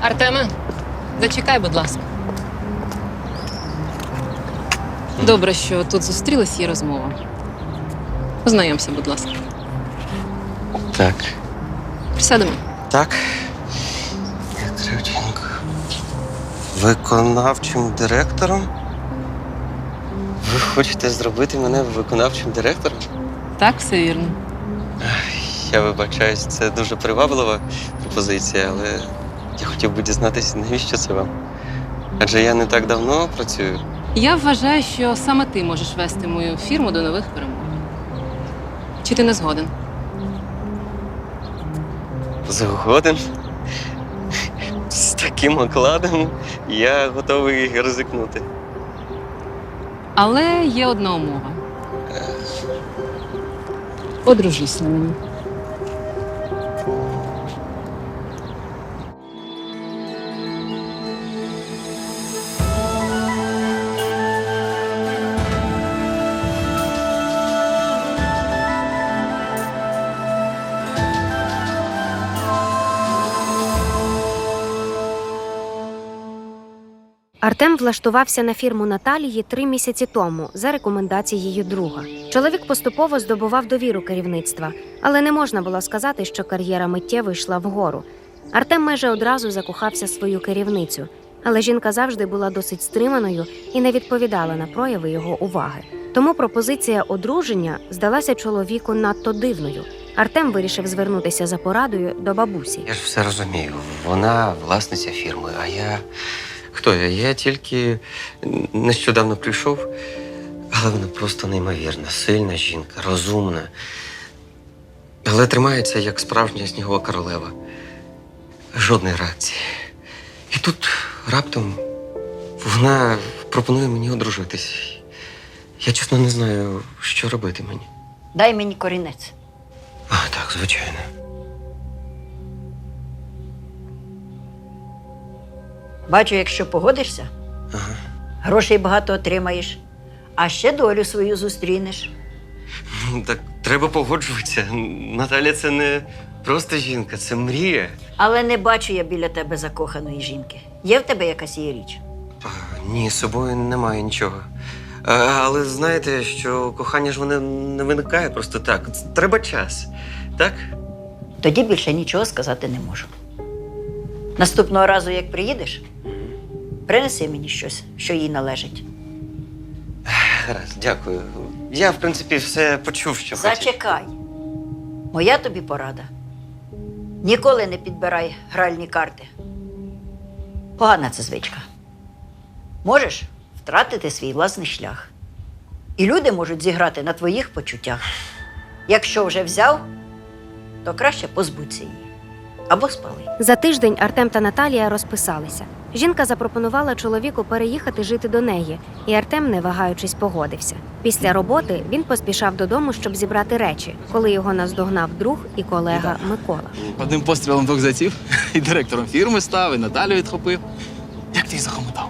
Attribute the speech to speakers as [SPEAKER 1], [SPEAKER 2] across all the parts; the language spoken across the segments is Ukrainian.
[SPEAKER 1] Артеме, зачекай, будь ласка. Добре, що тут зустрілись, є розмова. Познайомся, будь ласка.
[SPEAKER 2] Так.
[SPEAKER 1] Присядемо.
[SPEAKER 2] Так. Кривченко. Виконавчим директором? Ви хочете зробити мене виконавчим директором?
[SPEAKER 1] Так, все вірно.
[SPEAKER 2] Я вибачаюсь, це дуже приваблива пропозиція, але я хотів би дізнатися, навіщо це вам? Адже я не так давно працюю.
[SPEAKER 1] Я вважаю, що саме ти можеш вести мою фірму до нових перемог. Чи ти не згоден?
[SPEAKER 2] Згоден. З таким окладом я готовий ризикнути.
[SPEAKER 1] Але є одна умова. Одружись на мені.
[SPEAKER 3] Артем влаштувався на фірму Наталії 3 місяці тому за рекомендацією друга. Чоловік поступово здобував довіру керівництва, але не можна було сказати, що кар'єра миттєво йшла вгору. Артем майже одразу закохався в свою керівницю, але жінка завжди була досить стриманою і не відповідала на прояви його уваги. Тому пропозиція одруження здалася чоловіку надто дивною. Артем вирішив звернутися за порадою до бабусі.
[SPEAKER 2] Я ж все розумію. Вона власниця фірми, а я... Хто я? Я тільки нещодавно прийшов, але вона просто неймовірна, сильна жінка, розумна. Але тримається, як справжня снігова королева. Жодної реакції. І тут раптом вона пропонує мені одружитись. Я чесно не знаю, що робити мені.
[SPEAKER 4] Дай мені корінець.
[SPEAKER 2] А, так, звичайно.
[SPEAKER 4] Бачу, якщо погодишся,
[SPEAKER 2] Ага.
[SPEAKER 4] грошей багато отримаєш, а ще долю свою зустрінеш.
[SPEAKER 2] Ну, так треба погоджуватися. Наталя це не просто жінка, це мрія.
[SPEAKER 4] Але не бачу я біля тебе закоханої жінки. Є в тебе якась її річ?
[SPEAKER 2] А, ні, з собою немає нічого. Але знаєте, що кохання ж воно не виникає просто так. Треба час. Так?
[SPEAKER 4] Тоді більше нічого сказати не можу. Наступного разу, як приїдеш, принеси мені щось, що їй належить.
[SPEAKER 2] Гаразд, дякую. Я, в принципі, все почув, що хотів.
[SPEAKER 4] Зачекай. Моя тобі порада. Ніколи не підбирай гральні карти. Погана це звичка. Можеш втратити свій власний шлях. І люди можуть зіграти на твоїх почуттях. Якщо вже взяв, то краще позбудься її. Або спали.
[SPEAKER 3] За тиждень Артем та Наталія розписалися. Жінка запропонувала чоловіку переїхати жити до неї, і Артем, не вагаючись, погодився. Після роботи він поспішав додому, щоб зібрати речі, коли його наздогнав друг і колега Микола.
[SPEAKER 5] Одним пострілом двох зайців. І директором фірми став, і Наталю відхопив. Як ти їх захомутав?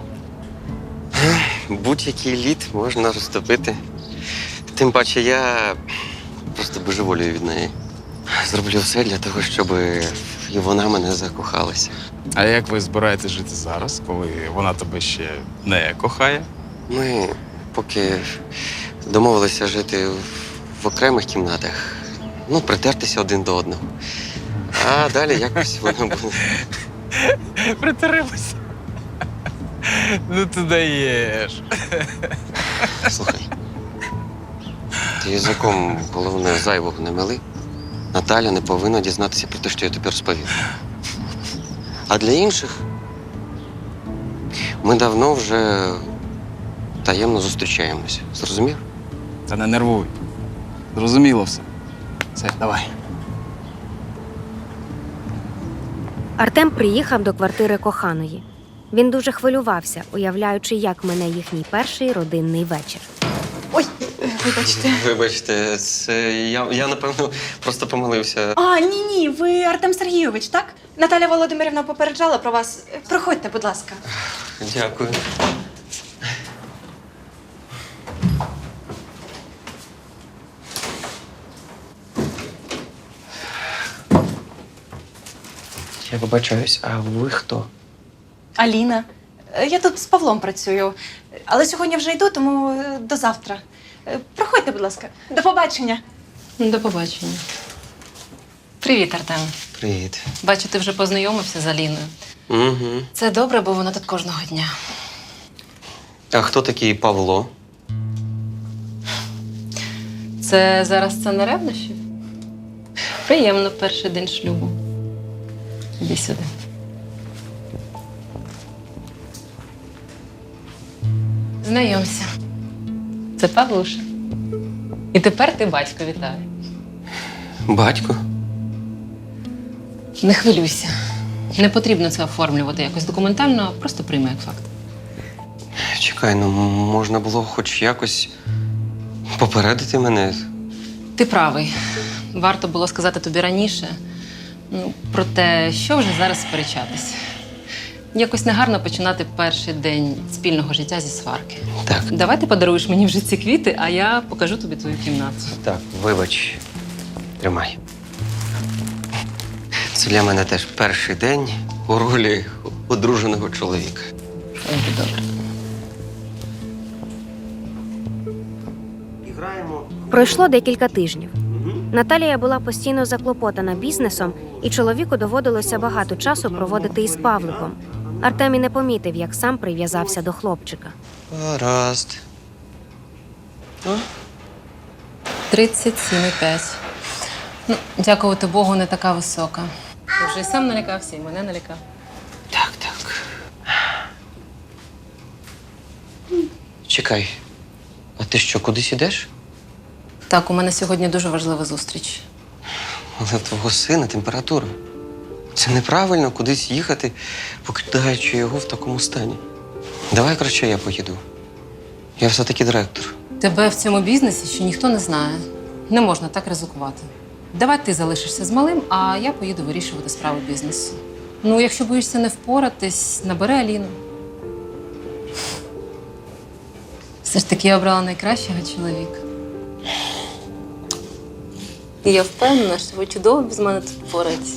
[SPEAKER 2] Будь-який лід можна розтопити. Тим паче я просто божеволюю від неї. Зроблю все для того, щоб і вона мене закохалася.
[SPEAKER 5] А як ви збираєтесь жити зараз, коли вона тебе ще не кохає?
[SPEAKER 2] Ми поки домовилися жити в окремих кімнатах, ну, притертися один до одного. А далі якось воно буде.
[SPEAKER 5] Притаримося. Ну ти даєш.
[SPEAKER 2] Слухай. Ти язиком, головне, зайвого не мили. Наталя не повинна дізнатися про те, що я тобі розповів. А для інших ми давно вже таємно зустрічаємося. Зрозумів?
[SPEAKER 5] Та не нервуй. Зрозуміло все. Все, давай.
[SPEAKER 3] Артем приїхав до квартири коханої. Він дуже хвилювався, уявляючи, як мине їхній перший родинний вечір.
[SPEAKER 6] Ой, вибачте.
[SPEAKER 2] Вибачте, це я напевно, просто помилився.
[SPEAKER 6] А, ні, ви Артем Сергійович, так? Наталя Володимирівна попереджала про вас. Проходьте, будь ласка.
[SPEAKER 2] Дякую. Я вибачаюсь, а ви хто?
[SPEAKER 6] Аліна. Я тут з Павлом працюю. Але сьогодні вже йду, тому до завтра. Проходьте, будь ласка. До побачення.
[SPEAKER 1] До побачення. Привіт, Артем.
[SPEAKER 2] Привіт.
[SPEAKER 1] Бачу, ти вже познайомився з Аліною.
[SPEAKER 2] Угу.
[SPEAKER 1] Це добре, бо вона тут кожного дня.
[SPEAKER 2] А хто такий Павло?
[SPEAKER 1] Це зараз сцена ревнощів? Приємно перший день шлюбу. Іди сюди. Знайомся. Це Павлуша. І тепер ти батько, вітаю.
[SPEAKER 2] Батько?
[SPEAKER 1] Не хвилюйся. Не потрібно це оформлювати якось документально, а просто прийми як факт.
[SPEAKER 2] Чекай, ну можна було хоч якось попередити мене.
[SPEAKER 1] Ти правий. Варто було сказати тобі раніше. Про те, що вже зараз сперечатись. Якось негарно починати перший день спільного життя зі сварки.
[SPEAKER 2] Так,
[SPEAKER 1] Давай ти подаруєш мені вже ці квіти, а я покажу тобі твою кімнату.
[SPEAKER 2] так, вибач. Тримай. Це для мене теж перший день у ролі одруженого чоловіка.
[SPEAKER 1] Ой, добре.
[SPEAKER 3] Пройшло декілька тижнів. Наталія була постійно заклопотана бізнесом, і чоловіку доводилося багато часу проводити із Павликом. Артем і не помітив, як сам прив'язався до хлопчика.
[SPEAKER 2] Гаразд.
[SPEAKER 1] 37,5. Дякувати Богу, не така висока. Ти вже і сам налякався, і мене налякав.
[SPEAKER 2] Так. Чекай, а ти що, кудись ідеш?
[SPEAKER 1] Так, у мене сьогодні дуже важлива зустріч.
[SPEAKER 2] Але в твого сина температура. Це неправильно кудись їхати, покидаючи його в такому стані. Давай краще я поїду. Я все-таки директор.
[SPEAKER 1] Тебе в цьому бізнесі ще ніхто не знає. Не можна так ризикувати. Давай ти залишишся з малим, а я поїду вирішувати справи бізнесу. Якщо боїшся не впоратись, набери Аліну. Все ж таки я обрала найкращого чоловіка. І я впевнена, що ви чудово без мене тут впораєтесь.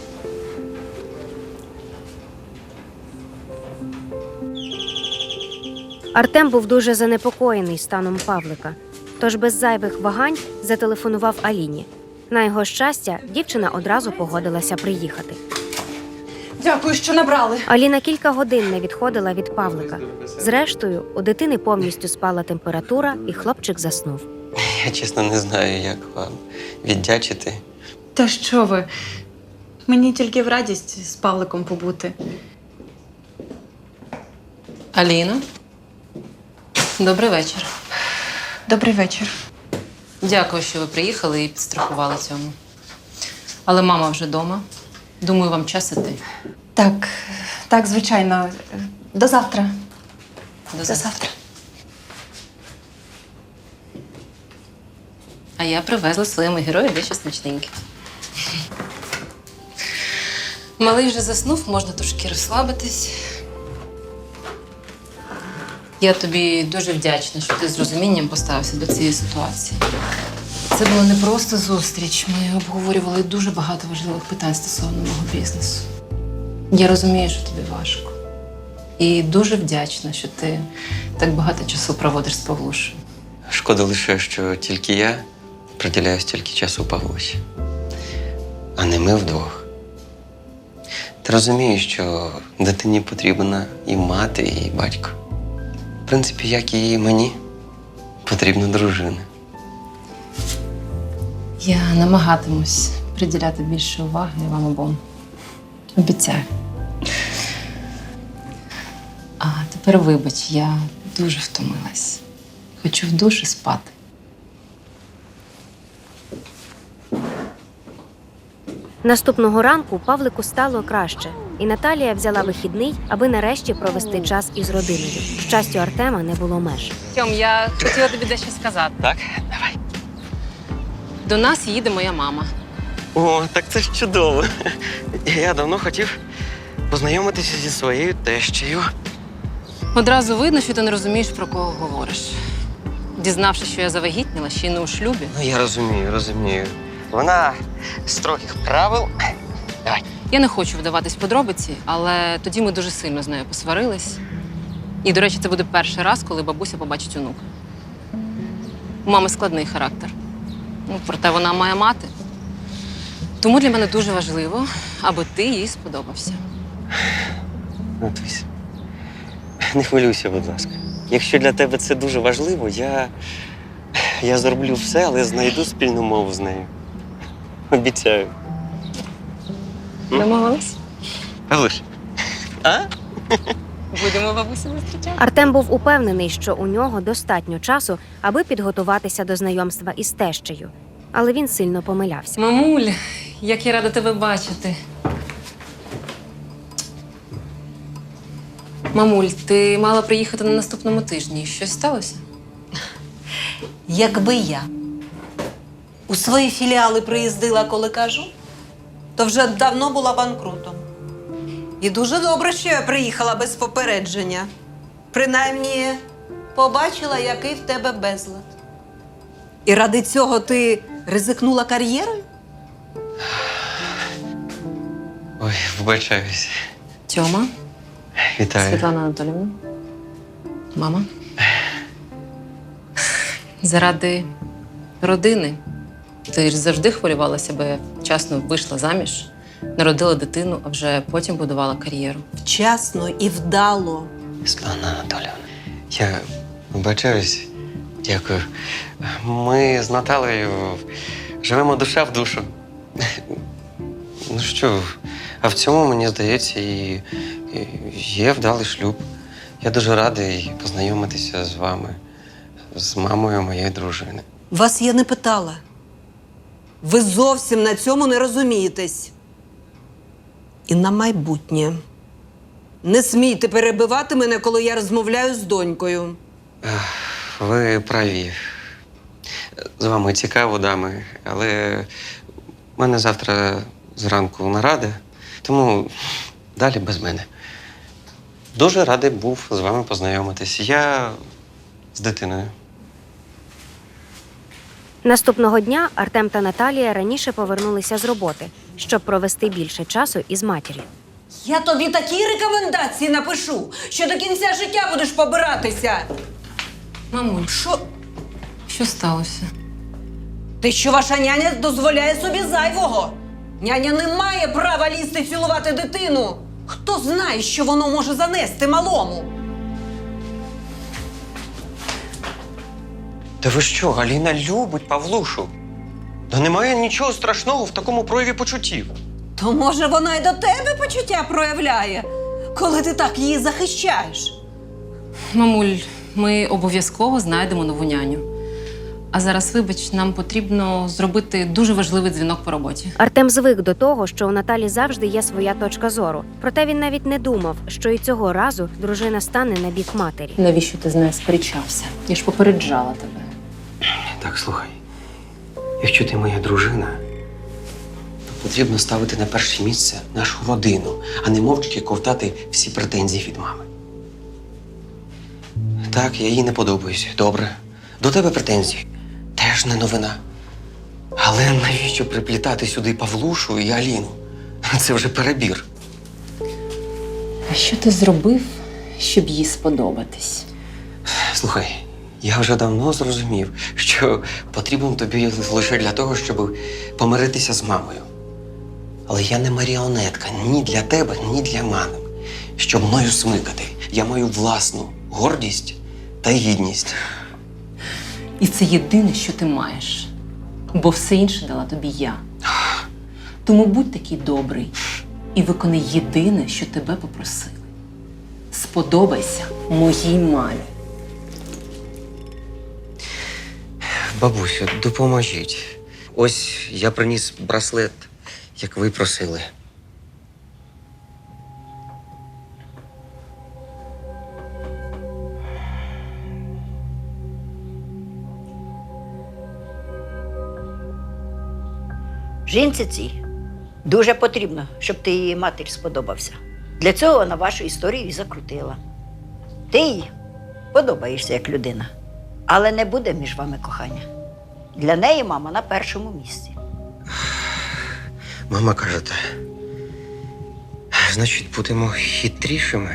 [SPEAKER 3] Артем був дуже занепокоєний станом Павлика, тож без зайвих вагань зателефонував Аліні. На його щастя, дівчина одразу погодилася приїхати.
[SPEAKER 6] Дякую, що набрали.
[SPEAKER 3] Аліна кілька годин не відходила від Павлика. Зрештою, у дитини повністю спала температура, і хлопчик заснув.
[SPEAKER 2] Я чесно не знаю, як вам віддячити.
[SPEAKER 6] Та що ви? Мені тільки в радість з Павликом побути.
[SPEAKER 1] Аліна, добрий вечір.
[SPEAKER 6] Добрий вечір.
[SPEAKER 1] Дякую, що ви приїхали і підстрахували цьому. Але мама вже вдома. Думаю, вам час іти.
[SPEAKER 6] Так, звичайно. До завтра.
[SPEAKER 1] До завтра. А я привезла своєму герою дещо смачненьке. Малий вже заснув, можна трошки розслабитись. Я тобі дуже вдячна, що ти з розумінням поставився до цієї ситуації. Це була не просто зустріч. Ми обговорювали дуже багато важливих питань стосовно мого бізнесу. Я розумію, що тобі важко. І дуже вдячна, що ти так багато часу проводиш з Павлушею.
[SPEAKER 2] Шкода лише, що тільки я приділяю стільки часу Павлусі, а не ми вдвох. Ти розумієш, що дитині потрібна і мати, і батько. В принципі, як і мені, потрібна дружина.
[SPEAKER 1] Я намагатимусь приділяти більше уваги вам обом. Обіцяю. А тепер вибач, я дуже втомилась. Хочу в душі спати.
[SPEAKER 3] Наступного ранку Павлику стало краще, і Наталія взяла вихідний, аби нарешті провести час із родиною. Щастю Артема не було меж.
[SPEAKER 1] Тьом, я хотіла тобі дещо сказати.
[SPEAKER 2] Так? Давай.
[SPEAKER 1] До нас їде моя мама.
[SPEAKER 2] О, так це ж чудово. Я давно хотів познайомитися зі своєю тещею.
[SPEAKER 1] Одразу видно, що ти не розумієш, про кого говориш. Дізнавшись, що я завагітніла, ще й не у шлюбі.
[SPEAKER 2] Ну, я розумію. Вона з строгих правил, Давай.
[SPEAKER 1] Я не хочу вдаватись в подробиці, але тоді ми дуже сильно з нею посварились. І, до речі, це буде перший раз, коли бабуся побачить онука. У мами складний характер. Проте вона має мати. Тому для мене дуже важливо, аби ти їй сподобався.
[SPEAKER 2] Натусь, не хвилюйся, будь ласка. Якщо для тебе це дуже важливо, я зроблю все, але знайду спільну мову з нею. Обіцяю.
[SPEAKER 1] Домовились?
[SPEAKER 2] Павлуш, а?
[SPEAKER 1] Будемо бабусю зустрічати.
[SPEAKER 3] Артем був упевнений, що у нього достатньо часу, аби підготуватися до знайомства із тещею. Але він сильно помилявся.
[SPEAKER 1] Мамуль, як я рада тебе бачити. Мамуль, ти мала приїхати на наступному тижні. Щось сталося?
[SPEAKER 7] Якби я у свої філіали приїздила, коли кажу, то вже давно була банкрутом. І дуже добре, що я приїхала без попередження. Принаймні, побачила, який в тебе безлад. І ради цього ти ризикнула кар'єрою?
[SPEAKER 2] Ой, вибачаюсь.
[SPEAKER 1] Тьома,
[SPEAKER 2] Вітаю.
[SPEAKER 1] Світлана Анатоліївна. Мама. Заради родини. Ти ж завжди хвилювалася, бо я вчасно вийшла заміж, народила дитину, а вже потім будувала кар'єру.
[SPEAKER 7] Вчасно і вдало.
[SPEAKER 2] Світлана Анатоліївна, я вибачаюсь. Дякую. Ми з Наталею живемо душа в душу. Ну що, а в цьому, мені здається, і є вдалий шлюб. Я дуже радий познайомитися з вами, з мамою моєї дружини.
[SPEAKER 7] Вас я не питала. Ви зовсім на цьому не розумієтесь. І на майбутнє. Не смійте перебивати мене, коли я розмовляю з донькою.
[SPEAKER 2] Ви праві. З вами цікаво, дами, але в мене завтра зранку нарада, тому далі без мене. Дуже радий був з вами познайомитись. Я з дитиною.
[SPEAKER 3] Наступного дня Артем та Наталія раніше повернулися з роботи, щоб провести більше часу із матір'ю.
[SPEAKER 7] Я тобі такі рекомендації напишу, що до кінця життя будеш побиратися.
[SPEAKER 1] Мамуль,
[SPEAKER 7] Що
[SPEAKER 1] сталося?
[SPEAKER 7] Те, що ваша няня дозволяє собі зайвого. Няня не має права лізти цілувати дитину. Хто знає, що воно може занести малому?
[SPEAKER 2] Та ви що, Галіна любить Павлушу? Та немає нічого страшного в такому прояві почуттів.
[SPEAKER 7] То, може, вона й до тебе почуття проявляє, коли ти так її захищаєш?
[SPEAKER 1] Мамуль, ми обов'язково знайдемо нову няню. А зараз, вибач, нам потрібно зробити дуже важливий дзвінок по роботі.
[SPEAKER 3] Артем звик до того, що у Наталі завжди є своя точка зору. Проте він навіть не думав, що і цього разу дружина стане на бік матері.
[SPEAKER 1] Навіщо ти з нею сперечався? Я ж попереджала тебе.
[SPEAKER 2] Так, слухай. Якщо ти моя дружина, то потрібно ставити на перше місце нашу родину, а не мовчки ковтати всі претензії від мами. Так, я їй не подобаюсь. Добре. До тебе претензії. Теж не новина. Але навіщо приплітати сюди Павлушу і Аліну? Це вже перебір.
[SPEAKER 1] А що ти зробив, щоб їй сподобатись?
[SPEAKER 2] Слухай, я вже давно зрозумів, що потрібен тобі лише для того, щоб помиритися з мамою. Але я не маріонетка ні для тебе, ні для мами. Щоб мною смикати, я маю власну гордість та гідність.
[SPEAKER 1] І це єдине, що ти маєш. Бо все інше дала тобі я. Тому будь такий добрий і виконай єдине, що тебе попросили. Сподобайся моїй мамі.
[SPEAKER 2] Бабусю, допоможіть. Ось я приніс браслет, як ви просили.
[SPEAKER 4] Жінці цій дуже потрібно, щоб ти її матері сподобався. Для цього вона вашу історію і закрутила. Ти їй подобаєшся як людина, але не буде між вами кохання. Для неї мама на першому місці.
[SPEAKER 2] Мама каже, Значить, будемо хитрішими.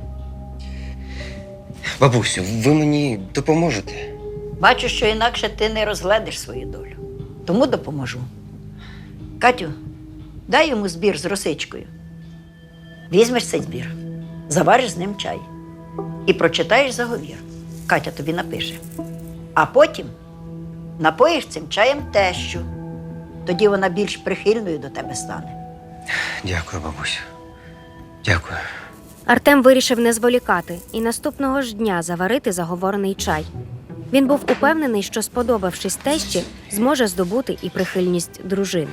[SPEAKER 2] Бабусю, ви мені допоможете?
[SPEAKER 4] Бачу, що інакше ти не розгледиш свою долю. Тому допоможу. Катю, дай йому збір з росичкою. Візьмеш цей збір, завариш з ним чай і прочитаєш заговір. Катя тобі напише. А потім напоїш цим чаєм тещу. Тоді вона більш прихильною до тебе стане.
[SPEAKER 2] Дякую, бабусю. Дякую.
[SPEAKER 3] Артем вирішив не зволікати і наступного ж дня заварити заговорений чай. Він був упевнений, що, сподобавшись тещі, зможе здобути і прихильність дружини.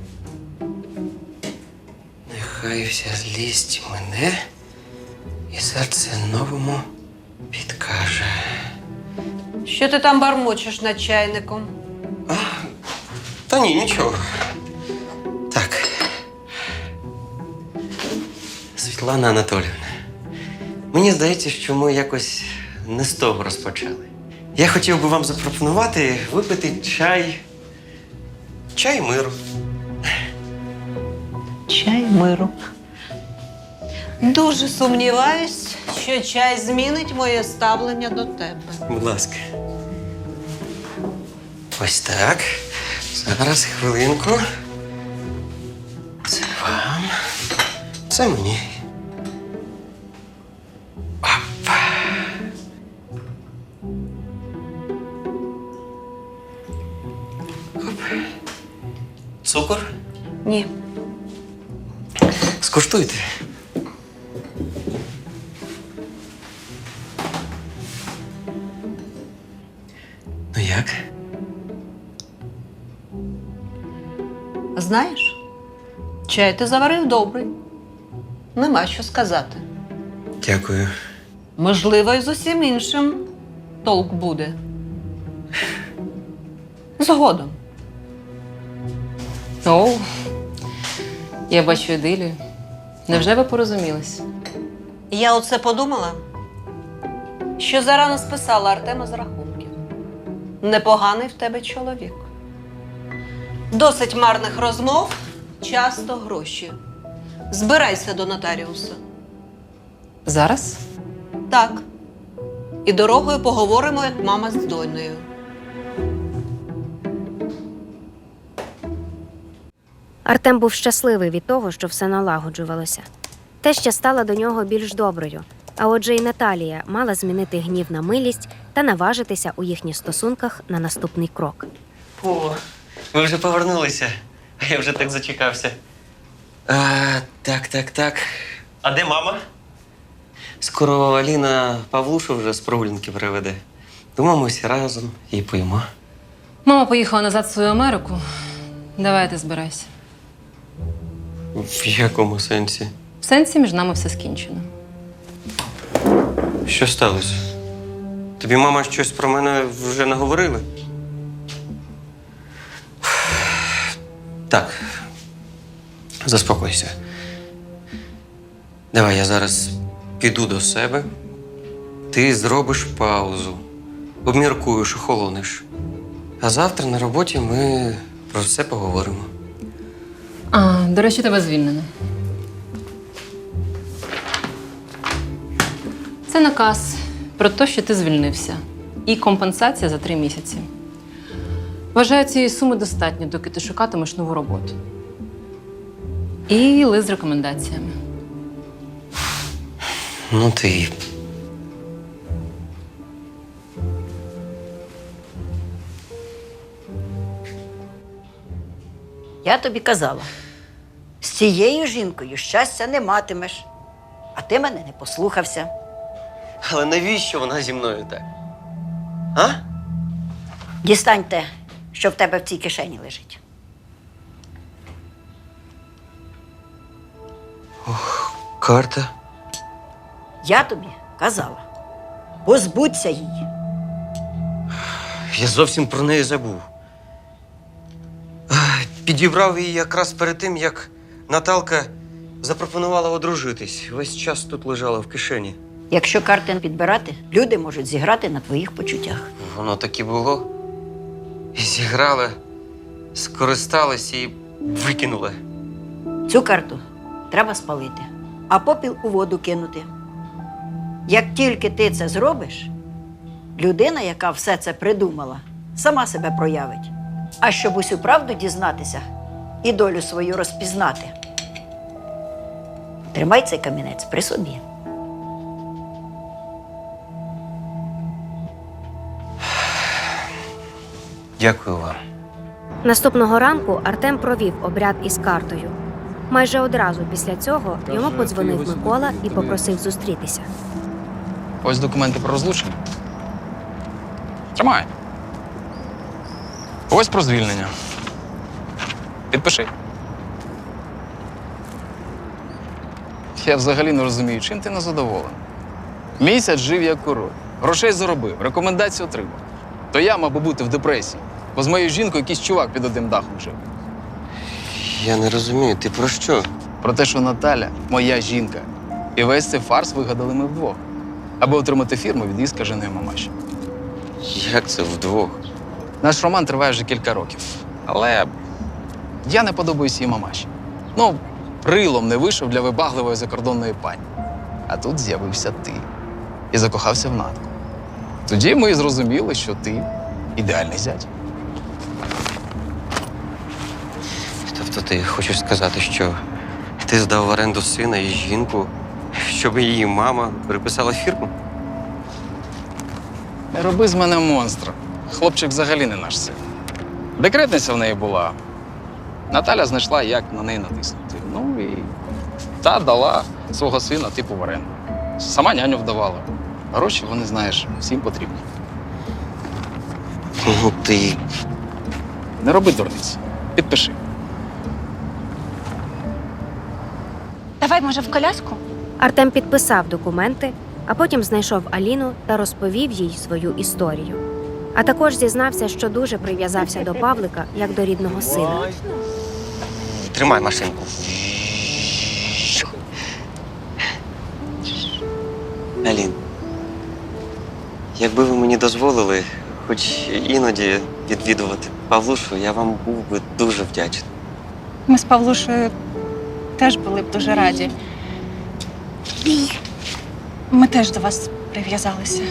[SPEAKER 2] Нехай вся злість мене і серце новому підкаже.
[SPEAKER 7] Що ти там бармочеш над чайником?
[SPEAKER 2] Та ні, нічого. Так. Світлана Анатоліївна, мені здається, що ми якось не з того розпочали. Я хотів би вам запропонувати випити чай. Чай миру.
[SPEAKER 7] Чай миру. Дуже сумніваюсь, що чай змінить моє ставлення до тебе.
[SPEAKER 2] Будь ласка. Ось так. Зараз хвилинку. Це вам. Це мені. Оп. Оп. Цукор?
[SPEAKER 7] Ні.
[SPEAKER 2] Скуштуйте. Ну як?
[SPEAKER 7] Знаєш, чай ти заварив добрий. Нема що сказати.
[SPEAKER 2] Дякую.
[SPEAKER 7] Можливо, і з усім іншим толк буде. Згодом.
[SPEAKER 1] Оу, я бачу ідилію. Невже ви порозумілись?
[SPEAKER 7] Я оце подумала, що зарано списала Артема з рахунків. Непоганий в тебе чоловік. Досить марних розмов, часто гроші. Збирайся до нотаріуса.
[SPEAKER 1] Зараз?
[SPEAKER 7] Так. І дорогою поговоримо, як мама з донею.
[SPEAKER 3] Артем був щасливий від того, що все налагоджувалося. Теща стала до нього більш доброю, а отже і Наталія мала змінити гнів на милість та наважитися у їхніх стосунках на наступний крок.
[SPEAKER 2] О, ви вже повернулися. А я вже так зачекався. Так. А де мама? Скоро Аліна Павлушу вже з прогулянки приведе. Думаю, ми всі разом і поїмо.
[SPEAKER 1] Мама поїхала назад в свою Америку. Давай ти збирайся.
[SPEAKER 2] В якому сенсі?
[SPEAKER 1] В сенсі між нами все скінчено.
[SPEAKER 2] Що сталося? Тобі мама щось про мене вже наговорила? Так. Заспокойся. Давай я зараз піду до себе. Ти зробиш паузу. Обміркуєш, охолониш. А завтра на роботі ми про все поговоримо.
[SPEAKER 1] До речі, тебе звільнено. Це наказ про те, що ти звільнився. І компенсація за 3 місяці. Вважаю, цієї суми достатньо, доки ти шукатимеш нову роботу. І лист з рекомендаціями.
[SPEAKER 2] Ну ти.
[SPEAKER 4] Я тобі казала, з цією жінкою щастя не матимеш, а ти мене не послухався.
[SPEAKER 2] Але навіщо вона зі мною так? А?
[SPEAKER 4] Дістань те, що в тебе в цій кишені лежить.
[SPEAKER 2] Карта.
[SPEAKER 4] Я тобі казала, позбудься її.
[SPEAKER 2] Я зовсім про неї забув. Підібрав її якраз перед тим, як Наталка запропонувала одружитись. Весь час тут лежала в кишені.
[SPEAKER 4] Якщо карти не підбирати, люди можуть зіграти на твоїх почуттях.
[SPEAKER 2] Воно так і було. І зіграла, скористалась і викинула.
[SPEAKER 4] Цю карту треба спалити. а попіл у воду кинути. Як тільки ти це зробиш, людина, яка все це придумала, сама себе проявить. А щоб усю правду дізнатися і долю свою розпізнати, тримай цей камінець при собі.
[SPEAKER 2] Дякую вам.
[SPEAKER 3] Наступного ранку Артем провів обряд із картою. Майже одразу після цього йому подзвонив Микола і попросив зустрітися.
[SPEAKER 5] Ось документи про розлучення. Тримай. Ось про звільнення. Підпиши. Я взагалі не розумію, чим ти незадоволений. Місяць жив як король. Грошей заробив, рекомендації отримав. То я мав би бути в депресії, бо з моєю жінкою якийсь чувак під одним дахом жив.
[SPEAKER 2] Я не розумію, ти про що?
[SPEAKER 5] Про те, що Наталя моя жінка. І весь цей фарс вигадали ми вдвох, аби отримати фірму від її скаженої мамаші.
[SPEAKER 2] Як це вдвох?
[SPEAKER 5] Наш роман триває вже кілька років. Але я не подобаюсь їй мамаші. Ну, рилом не вийшов для вибагливої закордонної пані. А тут з'явився ти. І закохався в Натку. Тоді ми і зрозуміли, що ти ідеальний зять.
[SPEAKER 2] Тобто ти хочеш сказати, що ти здав в оренду сина і жінку, щоб її мама переписала фірму?
[SPEAKER 5] Не роби з мене монстра. Хлопчик взагалі не наш син. Декретниця в неї була. Наталя знайшла, як на неї натиснути. Ну і та дала свого сина типу в оренду. Сама няню вдавала. Гроші, вони, знаєш, всім потрібні.
[SPEAKER 2] Ну ти.
[SPEAKER 5] Не роби дурниць. Підпиши.
[SPEAKER 6] Давай, може, в коляску?
[SPEAKER 3] Артем підписав документи, а потім знайшов Аліну та розповів їй свою історію. А також зізнався, що дуже прив'язався до Павлика як до рідного сина.
[SPEAKER 2] Тримай машинку. Алін, якби ви мені дозволили хоч іноді відвідувати Павлушу, я вам був би дуже вдячний.
[SPEAKER 6] Ми з Павлушею теж були б дуже раді. Ми теж до вас прив'язалися.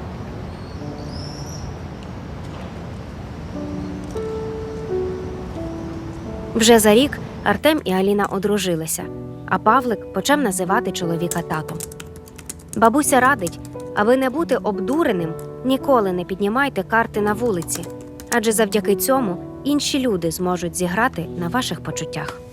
[SPEAKER 3] Вже за рік Артем і Аліна одружилися, а Павлик почав називати чоловіка татом. Бабуся радить, аби не бути обдуреним, ніколи не піднімайте карти на вулиці, адже завдяки цьому інші люди зможуть зіграти на ваших почуттях.